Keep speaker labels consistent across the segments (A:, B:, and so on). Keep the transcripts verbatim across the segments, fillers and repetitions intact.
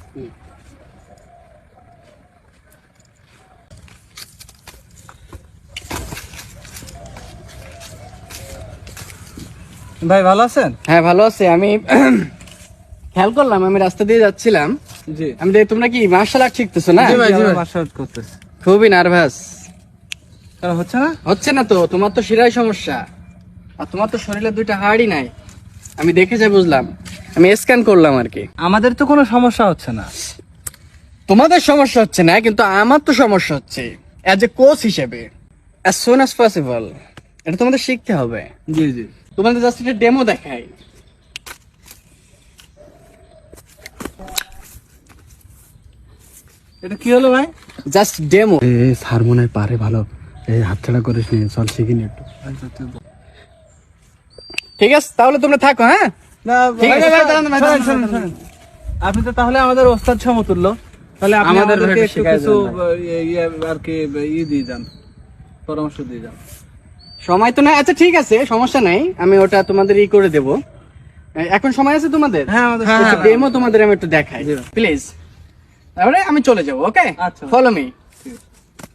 A: ভাই ভালো আছেন?
B: হ্যাঁ ভালো আছি। আমি খেয়াল করলাম, আমি রাস্তা দিয়ে যাচ্ছিলাম,
A: জি
B: আমি দেখি তোমরা কি মার্শাল আর্ট শিখতেছো না?
A: জি ভাই, জি মার্শাল আর্ট করতেছি।
B: খুবই নার্ভাস।
A: কেন হচ্ছে না?
B: হচ্ছে না তো, তোমার তো শিরায় সমস্যা, আর তোমার তো শরীরে দুইটা হাড়ই নাই। আমি দেখে যাই বুঝলাম, আমি স্ক্যান করলাম আর কি।
A: আমাদের তো কোনো সমস্যা হচ্ছে না।
B: তোমাদের সমস্যা হচ্ছে না, কিন্তু আমার তো সমস্যা হচ্ছে অ্যাজ এ কোচ হিসেবে। অ্যাজ সুন অ্যাজ পসিবল এটা তোমাদের শিখতে হবে।
A: জি জি,
B: তোমাদের জাস্ট একটা ডেমো দেখাই।
A: এটা কি হলো ভাই?
B: Just demo. এ স্যার মনে হয় পারে ভালো, এই হাতছাড়া করিস নি, চল শিখি নি একটু। ঠিক আছে তাহলে তোমরা থাকো। হ্যাঁ
A: না
B: ঠিক আছে,
A: ভাই,
B: দাঁড়ান, দাঁড়ান,
A: শোনেন,
B: দাঁড়ান,
A: শোনেন,
B: দাঁড়ান।
A: শোনেন। আপনি তো তাহলে আমাদের ওস্তাদ সমতুল্য, তাহলে আপনি
B: আমাদের
A: আমাদেরকে
B: ভাবে
A: একটু
B: শেখায়
A: কিছু
B: দেন ভাই।
A: ইয়ে আর কি ই দিয়ে যান, পরামর্শ দিয়ে যান।
B: সময় তো নাই। আচ্ছা ঠিক আছে, সমস্যা নাই, আমি ওটা তোমাদের ই করে দেবো। এখন সময় আছে তোমাদের?
A: হ্যাঁ, আমাদের
B: হ্যাঁ,
A: সময় আছে।
B: ডেমো তোমাদের আমি একটু দেখাই
A: জি।
B: প্লিজ, তারপরে আমি চলে যাবো। ওকে,
A: আচ্ছা।
B: Follow me.
A: ঠিক আছে।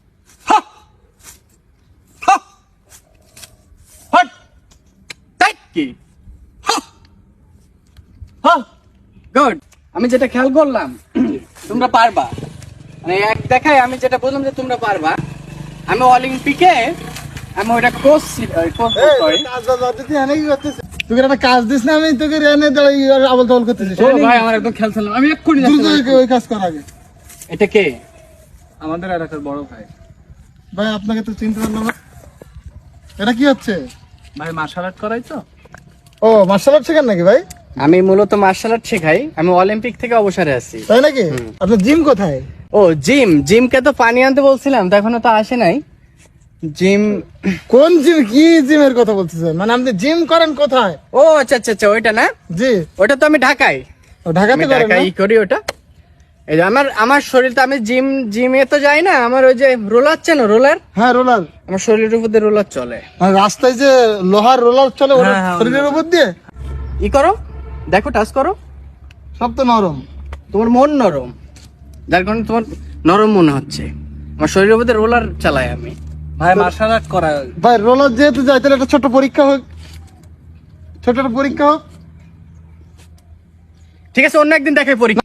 B: গুড। আমি যেটা খেয়াল করলাম তোমরা পারবা, মানে এক দেখায় আমি যেটা বললাম যে তোমরা পারবা। আমি অলিম্পিকে আমি ওটা কোচ সরি
C: তোকে একটা কাজ দিস না, আমি তোকে এনে আবল তাবল করতেছি।
B: ভাই, আমার একদম খেয়াল ছিল, আমি এক্ষুনি
C: দ্রুত
B: যাচ্ছি।
C: ওই কাজ কর আগে।
B: এটা কে?
A: আমাদের এলাকার বড় ভাই।
C: ভাই আপনাকে তো চিনতে পারলাম না, এটা কি হচ্ছে?
A: ভাই মার্শাল আর্ট করাই তো।
C: ও মার্শাল আর্ট শেখান নাকি ভাই?
B: আমি মূলত মার্শাল আর্ট শেখাই, আমি অলিম্পিক থেকে অবসরে আছি।
C: তাই নাকি? আপনার জিম কোথায়?
B: ও জিম, জিমকে তো পানি আনতে বলছিলাম, তো এখনো তো আসে নাই জিম।
C: কোন জিম? কি জিমের কথা বলতেছেন? মানে আপনি জিম করেন কোথায়?
B: ও আচ্ছা আচ্ছা আচ্ছা, ওইটা না,
C: জি,
B: ওটা তো আমি ঢাকায়,
C: ও ঢাকাতে
B: আমি
C: করেন না?
B: ঢাকায় করি ওটা। এই যে আমার আমার শরীর তো, আমি জিম জিমে তো যাই না, আমার ওই যে রোলার চেন, রোলার,
C: হ্যাঁ রোলার।
B: আমার শরীরের উপর দিয়ে রোলার চলে।
C: আর রাস্তায় যে লোহার রোলার চলে ওরা
A: হ্যাঁ, হ্যাঁ,
C: শরীরের উপর দিয়ে,
B: ই করো, দেখো টাচ করো,
C: সব তো নরম।
B: তোমার মন নরম, যার কারণে তোমার নরম মনে হচ্ছে। আমার শরীরের উপর দিয়ে রোলার চালাই আমি।
A: ভাই মার্শাল আর্ট করা।
C: ভাই রোলার যেহেতু যায়, তাহলে একটা ছোট পরীক্ষা হোক, ছোট একটা পরীক্ষা হোক।
B: ঠিক আছে, অন্য একদিন দেখাই পরীক্ষা।